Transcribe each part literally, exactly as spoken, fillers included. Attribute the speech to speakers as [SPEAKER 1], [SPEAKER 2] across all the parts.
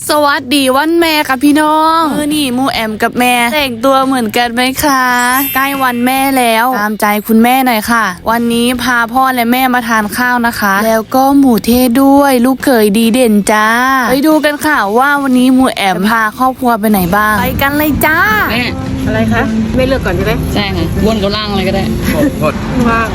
[SPEAKER 1] สวัสดีวันแม่ค่ะพี่น้องมือนี่มูแอมกับแม่แต่งตัวเหมือนกันไหมคะใกล้วันแม่แล้วตามใจคุณแม่หน่อยค่ะวันนี้พาพ่อและแม่มาทานข้าวนะคะแล้วก็หมูเทศด้วยลูกเขยดีเด่นจ้าไปดูกันค่ะว่าวันนี้มูแอมพาครอบครัวไปไหนบ้างไปกันเลยจ้า
[SPEAKER 2] แม่
[SPEAKER 3] อะไรคะไม่เลือกก่อนใช่ไหม
[SPEAKER 2] ใช่ค่ะบนกับล่างอะไรก็ได้
[SPEAKER 3] กดว่าง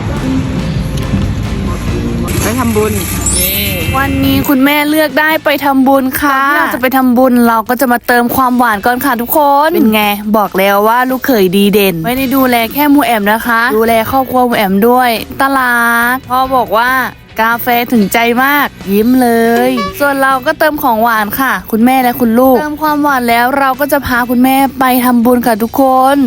[SPEAKER 3] ไปทำบุญ
[SPEAKER 1] วันนี้คุณแม่เลือกได้ไปทำบุญค่ะที่เราจะไปทำบุญเราก็จะมาเติมความหวานก่อนค่ะทุกคนเป็นไงบอกแล้วว่าลูกเขยดีเด่นไม่ได้ดูแลแค่มูแอมนะคะดูแลครอบครัวมูแอมด้วยตลาดพ่อบอกว่ากาแฟถึงใจมากยิ้มเลยส่วนเราก็เติมของหวานค่ะคุณแม่และคุณลูกเติมความหวานแล้วเราก็จะพาคุณแม่ไปทำบุญค่ะทุกคน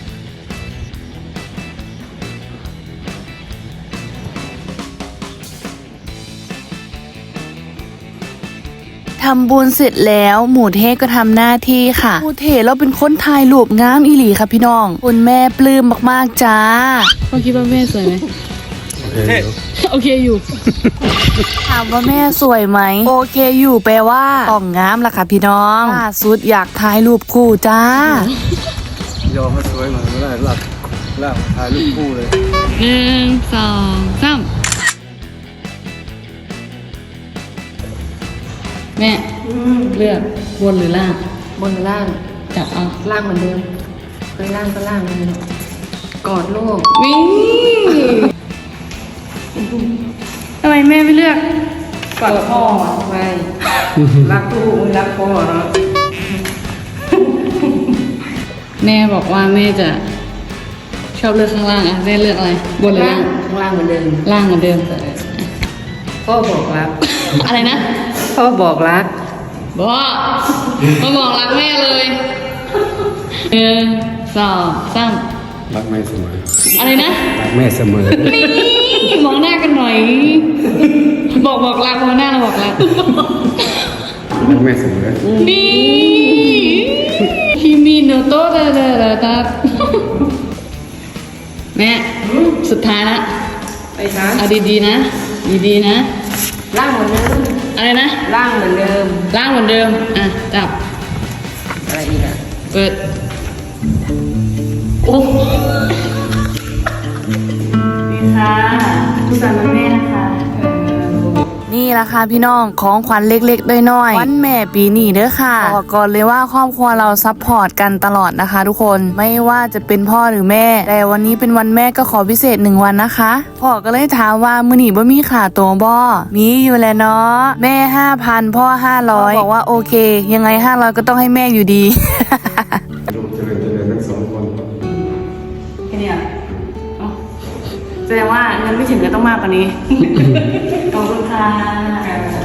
[SPEAKER 1] ทำบุญเสร็จแล้วหมูเทศก็ทำหน้าที่ค่ะหมูเทศเราเป็นคนถ่ายรูปงามอีหลีค่ะพี่น้องคุณแม่ปลื้มมากๆจ้า
[SPEAKER 2] พ่อคิดว่าแม่สวยไหมโอเคอยู่
[SPEAKER 1] ถามว่าแม่สวยไหมโอเคอยู่แปลว่าต้องงามล่ะค่ะพี่น้องล่าสุดอยากถ่ายรูปคู่จ้าย
[SPEAKER 4] อมให้สวยหน่อยไม่ได้หลับหลับถ่ายรูปคู่เลย
[SPEAKER 2] หนึ่งสองสามแม่เลือกบนหรือล่าง
[SPEAKER 3] บนหรือล่าง
[SPEAKER 2] จับเอา
[SPEAKER 3] ล่างเหมือนเดิมเคยล่างก็ล่างเลยกอดลูก
[SPEAKER 2] วิ่งทำไมแม่ไม่เลือก
[SPEAKER 3] กอดพ่อไปรักลูกรักพ่อเนาะ
[SPEAKER 2] แม่บอกว่าแม่จะชอบเลือกข้างล่างอ่ะแม่เลือกอะไรบนหรือล่าง
[SPEAKER 3] ข้างล่างเหมือนเดิม
[SPEAKER 2] ล่างเหมือนเดิม
[SPEAKER 3] พ่อบอกรัก
[SPEAKER 2] อะไรนะ
[SPEAKER 3] พ่อบอกรัก
[SPEAKER 2] บอกมาบอกรักแม่เลยหนึ่งสองสาม
[SPEAKER 4] รักแม่เสมอ
[SPEAKER 2] อะไรนะ
[SPEAKER 4] รักแม่เสมอ
[SPEAKER 2] นี่มองหน้ากันหน่อยบอกบอกรักมองหน้าเราบอกรัก
[SPEAKER 4] รักแม่เสมอ
[SPEAKER 2] นี่ฮิมิโนโตะเดเดเดตัดแม่สุดท้ายละ
[SPEAKER 3] ไปคะ
[SPEAKER 2] เอาดีๆนะดีๆนะ
[SPEAKER 3] ล่างเหมือนเดิม
[SPEAKER 2] อะไรนะ
[SPEAKER 3] ล่างเหมือนเดิม
[SPEAKER 2] ล่างเหมือนเดิมอ่ะจับ
[SPEAKER 3] อะไรอีกอ่ะ
[SPEAKER 2] เปิดโอ้นี่ค่ะทุกท่านแม่นะคะ
[SPEAKER 1] นี่แหละค่ะพี่น้องของขวัญเล็กๆน้อยๆวันแม่ปีนี้เด้อค่ะบอกก่อนเลยว่าครอบครัวเราซัพพอร์ตกันตลอดนะคะทุกคนไม่ว่าจะเป็นพ่อหรือแม่แต่วันนี้เป็นวันแม่ก็ขอพิเศษหนึ่งวันนะคะพ่อก็เลยถามว่ามื้อนี้บ่มีขาตัวบ่มีอยู่แล้วเนาะแม่ห้าพันพ่อห้าร้อยบอกว่าโอเคยังไงห้าร้อยก็ต้องให้แม่อยู่ดี
[SPEAKER 4] ลูกเจริญเจริญทั้งสองคน
[SPEAKER 2] แค่นี้แสดงว่าเงินไม่ถึงก็ต้องมากกว่านี้ขอบคุณค่ะ